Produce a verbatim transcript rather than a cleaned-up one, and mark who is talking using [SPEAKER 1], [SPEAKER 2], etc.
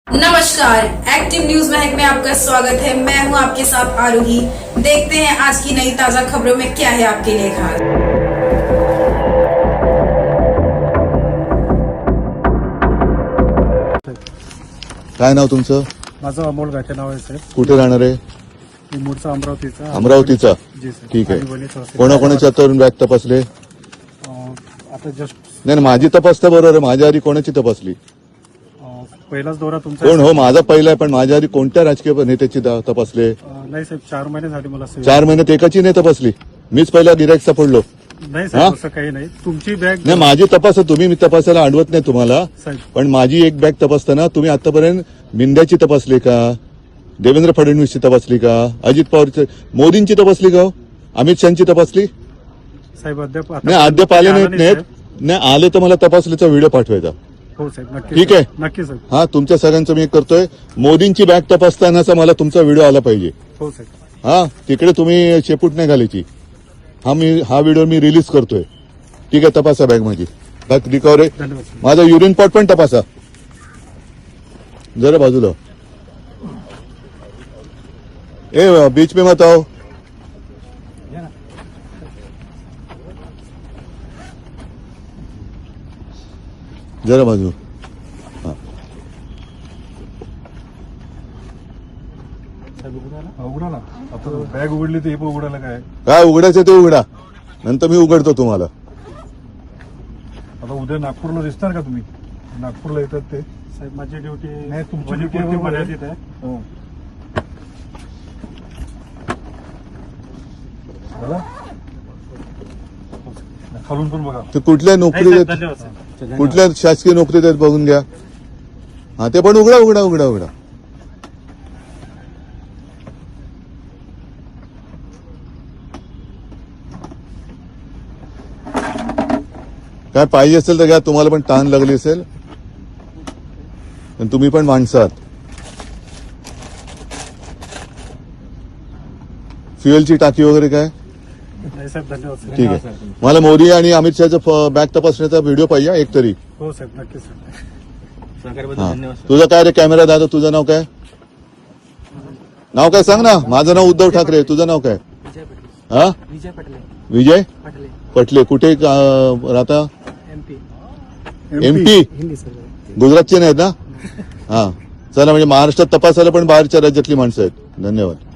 [SPEAKER 1] नमस्कार, active news Mahak में आपका स्वागत है। मैं हूं आपके साथ आरोही। देखते हैं आज की नई ताजा खबरों में क्या है आपके लिए खास।
[SPEAKER 2] काय नाव तुमचं?
[SPEAKER 3] माझं अमोल गाठे नाव आहे साहेब.
[SPEAKER 2] कुठे राहणार आहे?
[SPEAKER 3] मी मूळचा अमरावतीचा.
[SPEAKER 2] अमरावतीचा.
[SPEAKER 3] जी सर.
[SPEAKER 2] ठीक आहे.
[SPEAKER 3] आणि वणीचा असेल.
[SPEAKER 2] कोणाकोणाच्या तरुण बॅग तपासले?
[SPEAKER 3] अं, आता जस्ट
[SPEAKER 2] नाही नाही, माझी तपासता बरोबर आहे. माझ्या आधी कोणाची तपासली?
[SPEAKER 3] अं, पहिलाच दौरा तुमचा
[SPEAKER 2] कोण हो? माझा पहिला आहे, पण माझ्या आधी कोणत्या राजकीय नेत्याची दा- तपासले?
[SPEAKER 3] अं, नाही साहेब, चार महिने झाले मला सेवा.
[SPEAKER 2] चार महिन्यात एकाची नाही तपासली. मीच पहिला गिरायक सापडलो.
[SPEAKER 3] नाही साहेब,
[SPEAKER 2] हा?
[SPEAKER 3] असं काही नाही. तुमची बॅग
[SPEAKER 2] नाही, माझी तपासा तुम्ही. मी तपासायला अडवत नाही तुम्हाला,
[SPEAKER 3] साहेब.
[SPEAKER 2] पण माझी एक बॅग तपासताना तुम्ही आतापर्यंत मिंद्याची तपासली का? देवेंद्र फडणवीसची तपासली का? अजित पवारची, मोदींची तपासली का? हो? अमित शहाची तपासली?
[SPEAKER 3] साहेब अद्याप आता-
[SPEAKER 2] नाही, अद्याप आले
[SPEAKER 3] आला
[SPEAKER 2] नाहीत
[SPEAKER 3] नाही,
[SPEAKER 2] नाहीत
[SPEAKER 3] साहेब.
[SPEAKER 2] नाही आले तर मला तपासलीचा व्हिडिओ पाठवायचा.
[SPEAKER 3] हो साहेब, नक्की
[SPEAKER 2] ठीक
[SPEAKER 3] साहेब.
[SPEAKER 2] आहे.
[SPEAKER 3] नक्की साहेब.
[SPEAKER 2] हा, तुमच्या सगळ्यांचं मी एक करतोय. मोदींची बॅग तपासतानाचा मला तुमचा व्हिडिओ आला पाहिजे.
[SPEAKER 3] हो साहेब.
[SPEAKER 2] हा, तिकडे तुम्ही शेपूट नाही घालायची. हा मी हा व्हिडिओ मी रिलीज करतोय. ठीक आहे, तपासा बॅग माझी. बॅग रिकवर आहे.
[SPEAKER 3] धन्यवाद साहेब.
[SPEAKER 2] माझा युरिन पॉट पण तपासा जरा बाजूला. ए बीच में मत आओ. जरा बाजू.
[SPEAKER 3] साहेब, उघडा ना. उघडा ना. आता बॅग उघडली तर हे पण उघडायला काय?
[SPEAKER 2] काय उघडायचं ते उघडा, नंतर मी उघडतो तुम्हाला.
[SPEAKER 3] आता उद्या नागपूरला दिसणार का तुम्ही? नागपूरला येतात ते साहेब. माझी ड्युटी नाही, तुमची ड्युटी मर्यादित आहे. हो. झालं? खालून पण बघा.
[SPEAKER 2] ते कुठल्या नोकरी
[SPEAKER 3] नाही, साहेब,
[SPEAKER 2] देत,
[SPEAKER 3] धन्यवाद साहेब.
[SPEAKER 2] कुठल्या शासकीय नोकरी देत बघून घ्या. हा, ते पण उघडा उघडा उघडा उघडा. काय पाहिजे असेल तर घ्या. तुम्हाला पण ताण लागली असेल, पण तुम्ही पण माणसात. फ्युएलची टाकी वगैरे काय?
[SPEAKER 3] नाही साहेब, धन्यवाद साहेब.
[SPEAKER 2] ठीक आहे. मला मोदी आणि अमित शहाचा बॅग तपासण्याचा व्हिडिओ पाहिजे एक तरी.
[SPEAKER 3] हो साहेब, नक्की साहेब.
[SPEAKER 2] हा. तुझं काय रे कॅमेरा दादा? तुझं नाव काय? नाव काय सांग ना. माझं नाव उद्धव ठाकरे. तुझं नाव काय? हा,
[SPEAKER 4] विजय पटले.
[SPEAKER 2] विजय
[SPEAKER 4] पटले.
[SPEAKER 2] पटले. कुठे अं, राहता?
[SPEAKER 4] एमपी.
[SPEAKER 2] एमपी.
[SPEAKER 4] हिंदी सर.
[SPEAKER 2] गुजरातचे नाहीत ना? हा, चला. म्हणजे महाराष्ट्रात तपासायला पण बाहेरच्या राज्यातली माणसं आहेत. धन्यवाद.